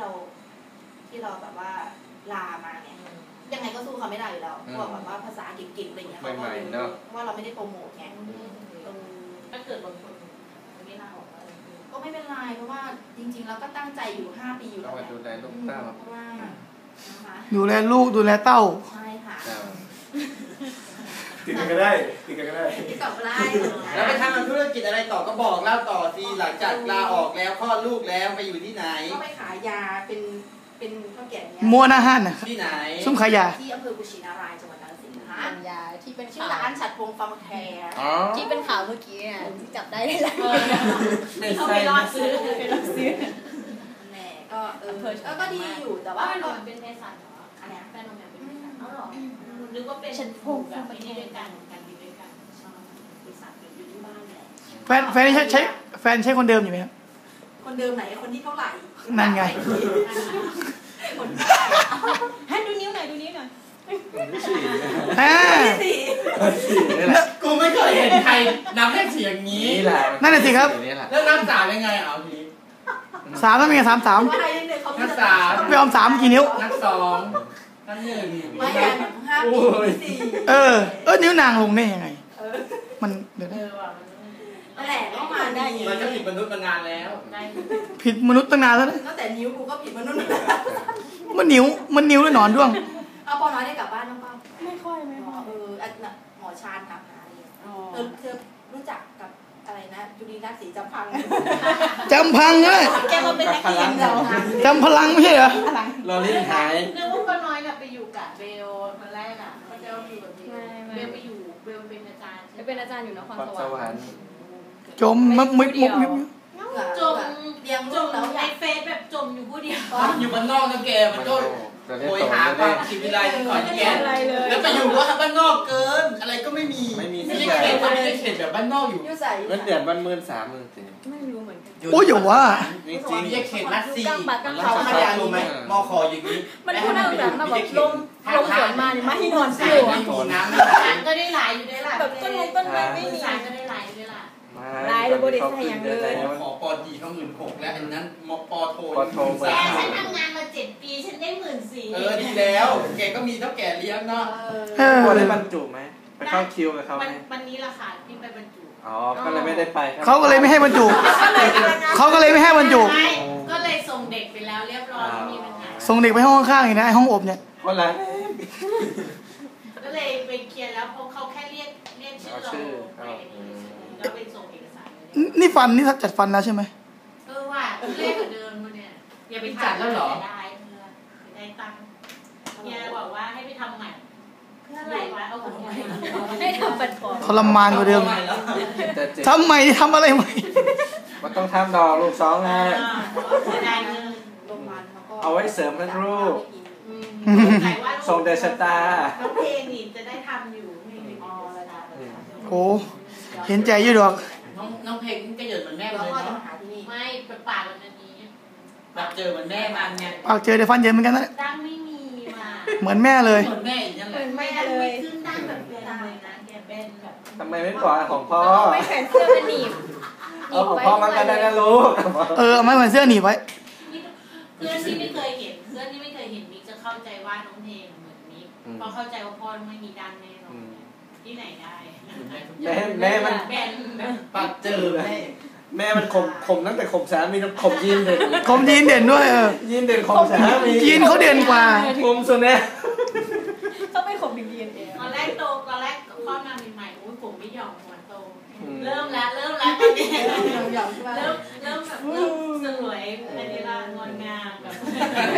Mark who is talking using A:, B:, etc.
A: เราแบบว่าลามาเนี่ยยังไงก็สู้เขาไม่ได้อยู่แล้วพวกแบบว่าภาษาเก่งๆอะไรเงี้ยเขาก็รู้ว่าเราไม่ได้โปรโมทไง
B: ถ้าเกิดบางคนไม่ลาออกอะไร
A: ก็ไม่เป็นไรเพราะว่าจริงๆเราก็ตั้งใจอยู่5 ปีอยู่แล้ว
C: ดูแลลูกเต้า
A: เพราะว่า
D: ดูแลลูกดูแลเต้า
A: ใช่ค่ะ
E: ติดกันก็ได้
A: ติดกับได้
F: แล้วไปทำธุรกิจอะไรต่อก็บอกเล่าต่อสิหลังจากลาออกแล้วคลอดลูกแล้วไปอยู่ที่ไหน
A: ก็ไปขายยาเป็นข้าวแกง
D: มัวหน้าห้านน่ะ
F: ที่ไหน
D: ซุ้มขายยา
A: ที่อำเภอกุชินารายจังหวัดกาฬสินธุ์นะคะ
B: ยาที่เป็น
A: ชื่อร้านฉัตรพงษ์ฟาร์มแคร์
B: ที่เป็นข่าวเมื่อกี้เนี่ยที่จับได้เลย
A: เขาไปรอซื้อแหม่ก็ดีอยู่แต่ว่า
B: เป็นเภสัชเหรอ
A: อันนี้
B: แฟนเราเป็นเภสัชเหรอนึกว่าเป็นฉันพงแบบไม่ได้ด้วยกันอยู่ด้วยกันชอบเภสัชอยู่ที่บ้านแหละ
D: แฟนใช้คนเดิมอยู่ไหมครับ
A: คนเดิมไหนคนที่เท่าไหร่
D: นั่นไง
B: ให้ดูนิ้วหน่อย
F: กูไม่เคยเห็นใครนับเลข4อย่างนี้
D: นั่นแหละสิครับ
F: แล้วนับ3ยังไงเอาที
D: 3ต้องมี3
F: นับ3
D: ไปออม3กี่นิ้ว
F: นับ2นับ1
A: ไม่กัน5 ปี
D: 4นิ้วนางลงได้ยังไงมันเดี๋ยว
A: นั่นแหละต้องมาได้
F: มันก็ผิดมนุษย์มานานแล้ว
D: ผิดมนุษย์ตั้งนานแล้วนะ
A: ตั้งแต่นิ้วกูก็ผิดมนุษย์
D: มันนิ้วแล้วหนอนด้วง
A: เอาปอน้อยได้กลับบ้านน้องเป้า
B: ไม่ค่อย
A: หมอชาญถามหาอะไรเธอรู้จักกับอะไรนะจุลีนัทศรีจำพัง
D: เลย
A: แกมาเป็นนักเรียนเรา
D: จำพลังไม่ใช่เหรอ
F: เราเล่นหาย
B: นึกว่าปอน้อยไปอยู่กับเบลคนแรกเขาจะอยู่กับเบลไปอยู่เบลเป็นอาจารย์อยู่นครสวรรค์
D: จมมุกเลี้ยง
A: ลูกแล้ว
B: ในเฟซแบบจมอยู่ผู้เดียว
F: อยู่บ้านนอกนะแกมันก็โวยหาความชีวิตไรก่อนแกแล้วไปอยู่ว่าบ้านนอกเกินอะไรก็ไม่มีไม่ได้เขตแบบบ้านนอกอยู่
C: เงินเดือนบ้าน13,000
B: ไม่รู้เหมือนกัน
D: โอ้ยอย่าว่า
F: จริงๆไม่ใช่เขตรัสซีเขาพยารู้ไหมมอคออย่างนี้
B: มันพูดเอาแบบมาแบบลมสวนมาเนี่ยมาที่นอนซิวก็ได้หลายอยู่ได้ล่ะแบบต้นไม้ไม่มีก็ได้หลายอยู่ได้ล่ะลายหรือบริษัทอย่างเลย
F: ขอปอดีเขา16,000แล้วอันนั้นปอโท
B: แกฉันทำงานมา7 ปีฉันได้14,000
F: ดีแล้วแกก็มีเท่าแก่เลี้ยงเนาะ
C: พอได้บรรจุไหมไปเข้าคิวกับเขาไหม
B: วันนี้ราคาที่ไปบรรจุ
C: ก็เลยไม่ได้ไป
D: เขาก็เลยไม่ให้บรรจุก็เลย
B: ส่งเด็กไปแล้วเรียบร้อยมีปัญหา
D: ส่งเด็กไปห้องข้างๆอีกนะห้องอบเนี่ย
C: วันไร
B: ก็เลยไปเคลียร์แล้วเพราะเขาแค่เรียกชื่อเราแล้วไปส่งเอกสาร
D: นี่ฟันนี่จัดฟันแล้วใช่ไหม
B: ว่าเรียกเหมือนเดิมเนี่ยอย่าไปจัดแล้วหรอได้ตังค์เนี่ยบอกว่าให้ไปทำใหม่เพื่ออะไรวะเอาของใหม่ให้ทำบัตรท
D: รมานกว่าเดิมทำใหม่ทำอะไรใหม่
C: มันต้องทำดอกลูก2นะเอาไว้เสริมให้ลูกส่งเดชะตา
B: น้องเพลงนี่จะได้ทำอยู่
D: โอ้เห็นใจอยู่ดอก
F: น้องเพลงก็เยินเหมือนแม่เลยเนาะ
B: ไม่เป็นปากแบบนี้
F: ปากเจอเหมือนแม่มันไง
D: ปากเจอได้ฟันเยินเหมือนกันนะ
B: ดังไม่มีมา
D: เหมือนแม่เลย
F: เหมือนแม่อีกนั่นแหละ
B: ไม่เลยขึ้นดังแบบเป็นเลยนะแกเป็นแบบ
C: ทำไมไม่ปล่อยของพ่อ
B: ไม่แขนเสื้อมันหนีบ
C: ของพ่อมันก็ได้นะลูก
D: เอาไม่เหมือนเสื้อหนีบไว้
B: เพื่อนที่ไม่เคยเห็นมิกจะเข้าใจว่าน้องเพลงเหมือนมิกเพราะเข้าใจว่าพ่อไม่มีดันแน่นอนที่ไหนได้
C: แม่มัน
F: ปากเจอ
C: แม่มันคมตั้งแต่คมสามีต้องคมยีนเด่น
D: ด้วย
C: ยีนเด่นคมสามี
D: ยีนเขาเด่นกว่า
C: คมสุดแน่
B: ต้องไม่คมดีๆตอนแรกข้อมาใหม่ๆผมไม่ยอมหัวโตเริ่มแล้วตอนนี้เริ่มแบบสวยอันนี้ละงอนงามแบบ